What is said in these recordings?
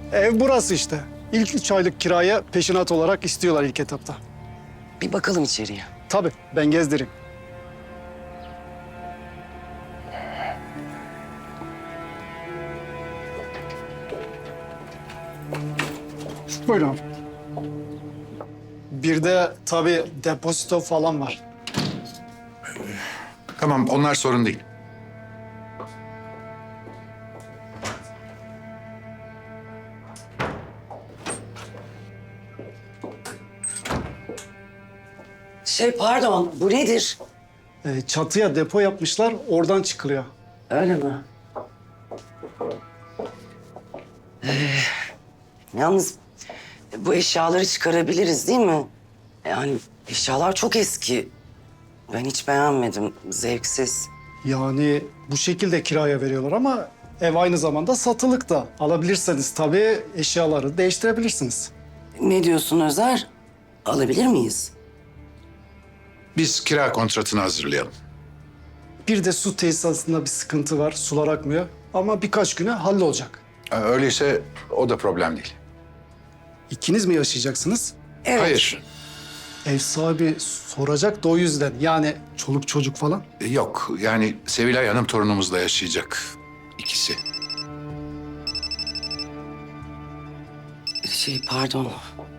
Ev burası işte. İlk 3 aylık kiraya peşinat olarak istiyorlar ilk etapta. Bir bakalım içeriye. Tabii ben gezdireyim. Buyurun. Bir de tabii depozito falan var. Tamam, onlar sorun değil. Pardon, bu nedir? Çatıya depo yapmışlar, oradan çıkılıyor. Öyle mi? Yalnız bu eşyaları çıkarabiliriz değil mi? Yani eşyalar çok eski. Ben hiç beğenmedim, zevksiz. Yani bu şekilde kiraya veriyorlar ama ev aynı zamanda satılık da. Alabilirseniz tabii eşyaları değiştirebilirsiniz. Ne diyorsun Özer? Alabilir miyiz? Biz kira kontratını hazırlayalım. Bir de su tesisatında bir sıkıntı var, sular akmıyor. Ama birkaç güne hallolacak. Öyleyse o da problem değil. İkiniz mi yaşayacaksınız? Evet. Hayır, Ev sahibi soracak da o yüzden. Yani çoluk çocuk falan. yok. Yani Sevilay Hanım torunumuzla yaşayacak. İkisi. Pardon.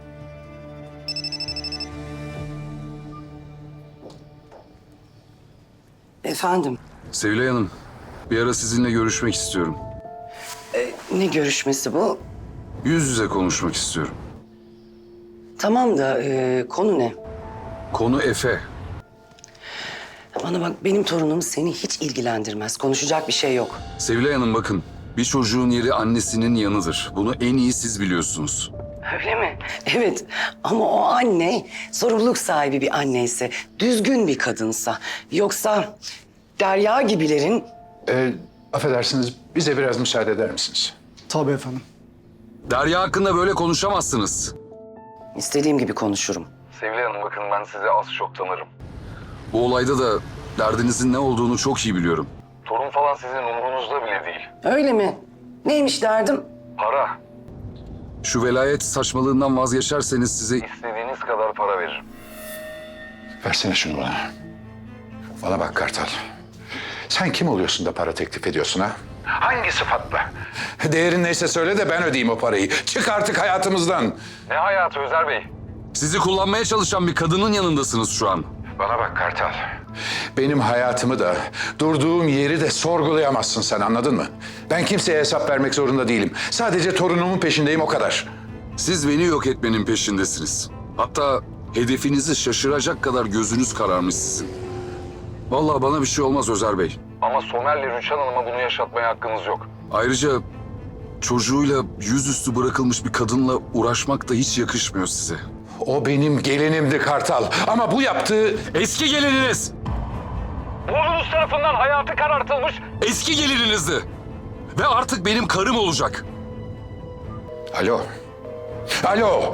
Efendim, Sevilay Hanım, bir ara sizinle görüşmek istiyorum. ne görüşmesi bu? Yüz yüze konuşmak istiyorum. Tamam da konu ne? Konu Efe. Bana bak, benim torunum seni hiç ilgilendirmez. Konuşacak bir şey yok. Sevilay Hanım bakın, bir çocuğun yeri annesinin yanıdır. Bunu en iyi siz biliyorsunuz. Öyle mi? Evet, ama o anne sorumluluk sahibi bir anneyse, düzgün bir kadınsa, yoksa Derya gibilerin... Affedersiniz, bize biraz müsaade eder misiniz? Tabii efendim. Derya hakkında böyle konuşamazsınız. istediğim gibi konuşurum. Sevilay Hanım bakın ben sizi az çok tanırım. Bu olayda da derdinizin ne olduğunu çok iyi biliyorum. Torun falan sizin umurunuzda bile değil. Öyle mi? Neymiş derdim? Para. Şu velayet saçmalığından vazgeçerseniz size istediğiniz kadar para veririm. Versene şunu bana. Bana bak Kartal. Sen kim oluyorsun da para teklif ediyorsun ha? Hangi sıfatla? Değerin neyse söyle de ben ödeyeyim o parayı. Çık artık hayatımızdan. Ne hayatı Özer Bey? Sizi kullanmaya çalışan bir kadının yanındasınız şu an. Bana bak Kartal. Benim hayatımı da, durduğum yeri de sorgulayamazsın sen, anladın mı? Ben kimseye hesap vermek zorunda değilim. Sadece torunumun peşindeyim, o kadar. Siz beni yok etmenin peşindesiniz. Hatta hedefinizi şaşıracak kadar gözünüz kararmış sizin. Vallahi bana bir şey olmaz Özer Bey. Ama Somer'le Rüçhan Hanım'a bunu yaşatmaya hakkınız yok. Ayrıca çocuğuyla yüzüstü bırakılmış bir kadınla uğraşmak da hiç yakışmıyor size. O benim gelinimdi Kartal. Ama bu yaptığı... Eski gelininiz! Oğlunuz tarafından hayatı karartılmış eski gelininizdi. Ve artık benim karım olacak. Alo. Alo.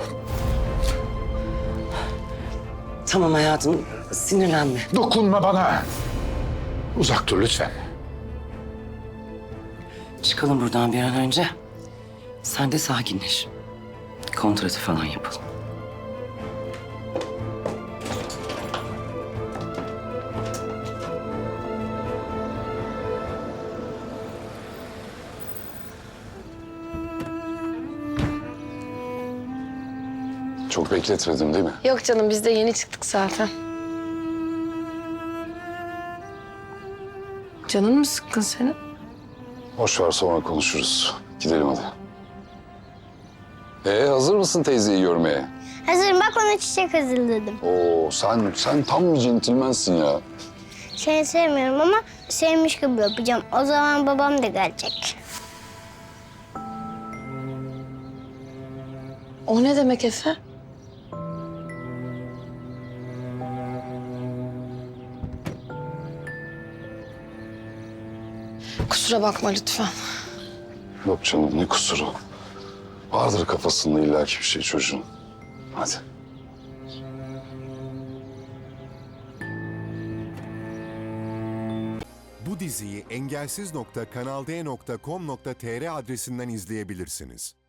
Tamam hayatım, sinirlenme. Dokunma bana. Uzak dur lütfen. Çıkalım buradan bir an önce. Sen de sakinleş. Kontratı falan yapalım. Çok bekletmedim değil mi? Yok canım biz de yeni çıktık zaten. Canın mı sıkkın senin? Boş ver sonra konuşuruz. Gidelim hadi. Hazır mısın teyzeyi görmeye? Hazırım, bak ona çiçek hazırladım. Oo sen tam bir centilmensin ya. Seni sevmiyorum ama sevmiş gibi yapacağım. O zaman babam da gelecek. O ne demek Efe? Kusura bakma lütfen. Yok canım ne kusuru. Vardır kafasında illaki bir şey çocuğun. Hadi. Bu diziyi engelsiz.kanalde.com.tr adresinden izleyebilirsiniz.